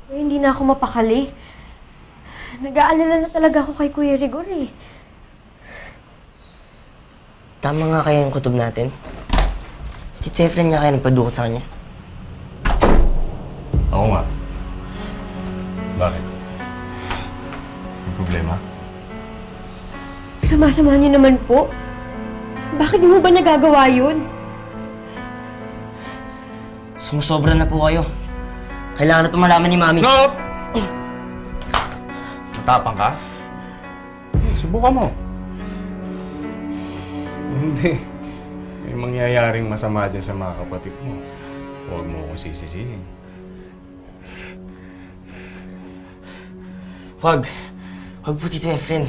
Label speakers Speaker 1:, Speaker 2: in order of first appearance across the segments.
Speaker 1: Hindi na ako mapakali. Nag-aalala na talaga ako kay Kuya Rigor eh.
Speaker 2: Tama nga kaya yung kutob natin. Si Tito Efren nga kaya nagpadukot sa kanya.
Speaker 3: Oo nga. Bakit? May problema?
Speaker 1: Sama-sama niyo naman po. Bakit niyo ba nagagawa yun?
Speaker 2: Sumusobra na po kayo. Kailangan na ito malaman ni Mami.
Speaker 3: Stop! Matapang ka? Subukan mo. Hindi. May mangyayaring masama dyan sa mga kapatid mo. Huwag mo akong sisisihin.
Speaker 2: Huwag. Huwag po, Tito Efren.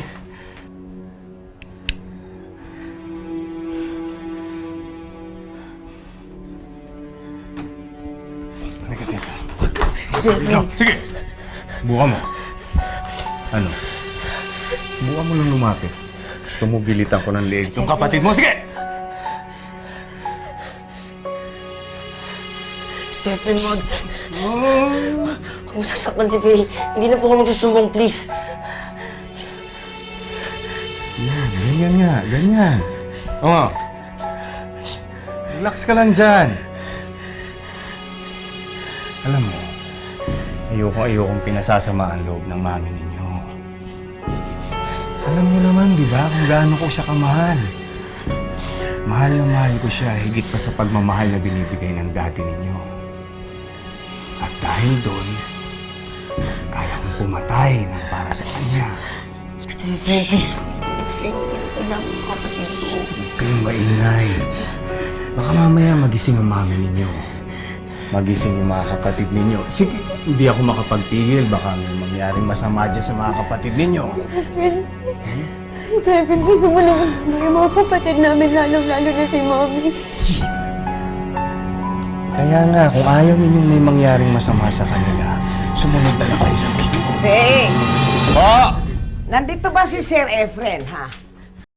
Speaker 3: Halika, tita.
Speaker 2: Tito Efren.
Speaker 3: Sige! Subukan mo. Ano? Subukan mo lang lumapit. Gusto mo bilitan ko ng leeg yung kapatid mo? Sige!
Speaker 2: Tito Efren, huwag. Huwag mo sasaktan si Faye. Hindi na po ako magsusumbong, please.
Speaker 3: Yan, ganyan nga, ganyan. Oo. Relax ka lang dyan. Alam mo, ayokong pinasasama ang loob ng mami ninyo. Alam niyo naman, di ba, kung gaano ko siya kamahal. Mahal na mahal ko siya, higit pa sa pagmamahal na binibigay ng daddy ninyo. At dahil doon, kaya kong pumatay ng para sa kanya.
Speaker 2: Tito Efren, please. Tito Efren, pinapay namin ang kapatid ko.
Speaker 3: Huwag kayong maingay. Baka mamaya magising ang mami ninyo. Magising yung mga kapatid ninyo. Sige, hindi ako makapagpigil. Baka may mangyaring masama dyan sa mga kapatid ninyo.
Speaker 1: Tito Efren, gusto mo naman yung mga kapatid namin, lalong-lalo na si Mommy.
Speaker 3: Kaya nga, kung ayaw ninyong may mangyaring masama sa kanila, sumunod na lang kayo sa gusto ko.
Speaker 4: Hey!
Speaker 3: Po!
Speaker 4: Nandito ba si Sir Efren, ha?